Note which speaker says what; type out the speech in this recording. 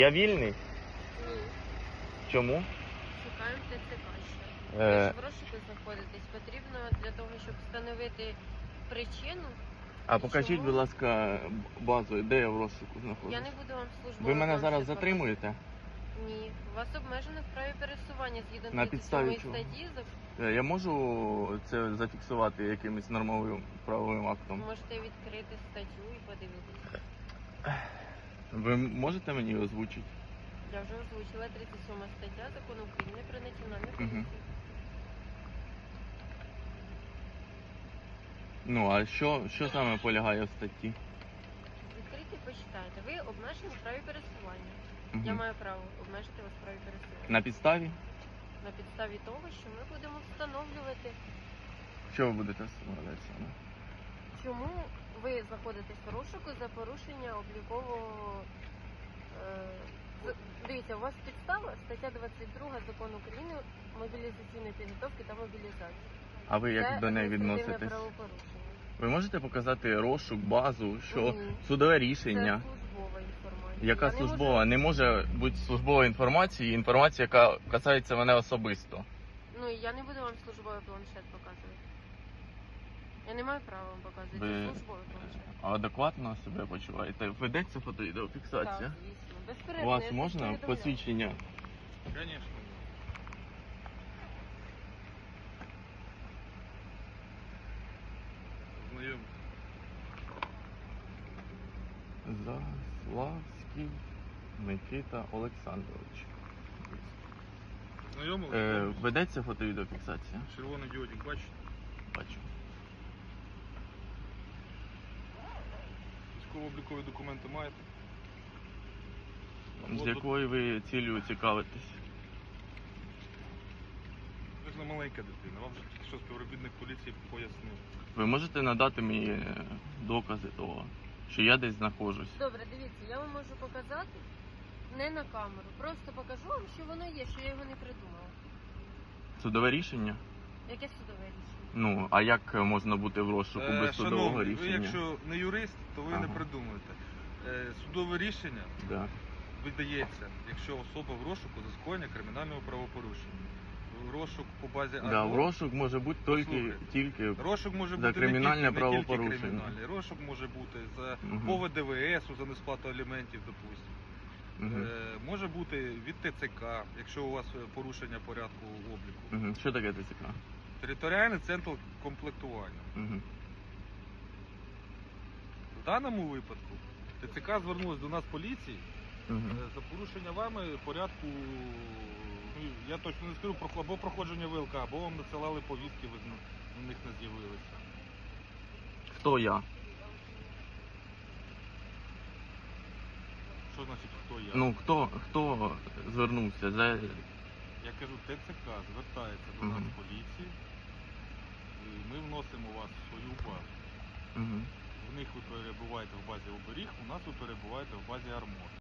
Speaker 1: Я вільний?
Speaker 2: Ні.
Speaker 1: Чому?
Speaker 2: Шукаємо ТЦК ще. Ви ж в розшуку знаходитесь. Потрібно для того, щоб встановити причину.
Speaker 1: А покажіть,
Speaker 2: Чому?
Speaker 1: будь ласка, базу, де я в розшуку
Speaker 2: Я
Speaker 1: знаходжусь.
Speaker 2: не буду вам службово.
Speaker 1: Ви мене зараз затримуєте?
Speaker 2: Ні. Вас обмежено в праві пересування згідно
Speaker 1: На підставі
Speaker 2: 37
Speaker 1: чого?
Speaker 2: статті.
Speaker 1: Я можу це зафіксувати якимось нормовим правовим актом?
Speaker 2: Можете відкрити статтю і подивитися.
Speaker 1: Ви можете мені озвучити?
Speaker 2: Я вже озвучила 37 стаття Закону України про національну
Speaker 1: Мгм.
Speaker 2: поліцію.
Speaker 1: Ну, а що саме полягає в статті?
Speaker 2: Відкрийте, почитайте. Ви обмежені в праві пересування.
Speaker 1: Мгм.
Speaker 2: Я маю право обмежити вас в праві пересування.
Speaker 1: На підставі?
Speaker 2: На підставі того, що ми будемо встановлювати,
Speaker 1: Що ви будете встановлювати саме?
Speaker 2: чому ви знаходитесь в розшуку за порушення облікового. Дивіться, у вас підстава стаття 22 Закону України мобілізаційної підготовки та мобілізації.
Speaker 1: А ви як
Speaker 2: Це
Speaker 1: до неї
Speaker 2: адміністративне
Speaker 1: відноситесь?
Speaker 2: правопорушення.
Speaker 1: Ви можете показати розшук, базу, що
Speaker 2: Ні.
Speaker 1: судове
Speaker 2: Це
Speaker 1: рішення?
Speaker 2: службова інформація.
Speaker 1: Яка
Speaker 2: Я не
Speaker 1: службова?
Speaker 2: можу-
Speaker 1: Не може бути службова інформація, інформація, яка касається мене особисто.
Speaker 2: Ну, я не буду вам службовий планшет показувати. Я не маю права вам показувати.
Speaker 1: Ви
Speaker 2: Це службовий планшет.
Speaker 1: адекватно себе почуваєте? Ведеться фото-відеофіксація?
Speaker 2: Так, звісно.
Speaker 1: У
Speaker 2: Безперервно.
Speaker 1: вас
Speaker 2: я це
Speaker 1: можна
Speaker 2: повідомляю.
Speaker 1: посвідчення?
Speaker 3: Конечно. Знайомі.
Speaker 1: Заславський Микита Олександрович.
Speaker 3: Знайомились?
Speaker 1: Ведеться фото-відеофіксація?
Speaker 3: Червоний діодик, бачите?
Speaker 1: Бачу.
Speaker 3: Військово-облікові документи маєте?
Speaker 1: З якою ви цілею цікавитесь?
Speaker 3: Ви ж не маленька дитина, вам же тільки що співробітник поліції пояснив.
Speaker 1: Ви можете надати мені докази того, що я десь знаходжусь?
Speaker 2: Добре, дивіться, я вам можу показати не на камеру. Просто покажу вам, що воно є, що я його не придумала.
Speaker 1: Судове рішення?
Speaker 2: Яке судове рішення?
Speaker 1: Ну, а як можна бути в розшуку без судового
Speaker 3: Шановний, ви
Speaker 1: рішення?
Speaker 3: якщо не юрист, то ви
Speaker 1: Ага.
Speaker 3: не придумуєте. Судове рішення
Speaker 1: Да.
Speaker 3: видається, якщо особа в розшуку за скоєння кримінального правопорушення. В розшук по базі
Speaker 1: Да, в розшук може бути тільки
Speaker 3: Розшук може
Speaker 1: за
Speaker 3: бути
Speaker 1: кримінальне
Speaker 3: не тільки
Speaker 1: правопорушення.
Speaker 3: кримінальний. Розшук може бути за
Speaker 1: Мгм.
Speaker 3: по ВДВС, за несплату аліментів, допустимо.
Speaker 1: Мгм.
Speaker 3: Може бути від ТЦК, якщо у вас порушення порядку обліку.
Speaker 1: Мгм. Що таке ТЦК?
Speaker 3: Територіальний центр комплектування.
Speaker 1: Мгм.
Speaker 3: В даному випадку ТЦК звернулась до нас поліції
Speaker 1: Мгм.
Speaker 3: за порушення вами порядку, ну, я точно не скажу, або проходження ВЛК, або вам надсилали повістки, ви на них не з'явилися.
Speaker 1: Хто я?
Speaker 3: Що значить хто я?
Speaker 1: Ну, хто звернувся?
Speaker 3: Я кажу, ТЦК звертається до
Speaker 1: Мгм.
Speaker 3: нас поліції, і ми вносимо вас в свою базу.
Speaker 1: Мгм.
Speaker 3: В них ви перебуваєте в базі оберіг, у нас ви перебуваєте в базі Армор.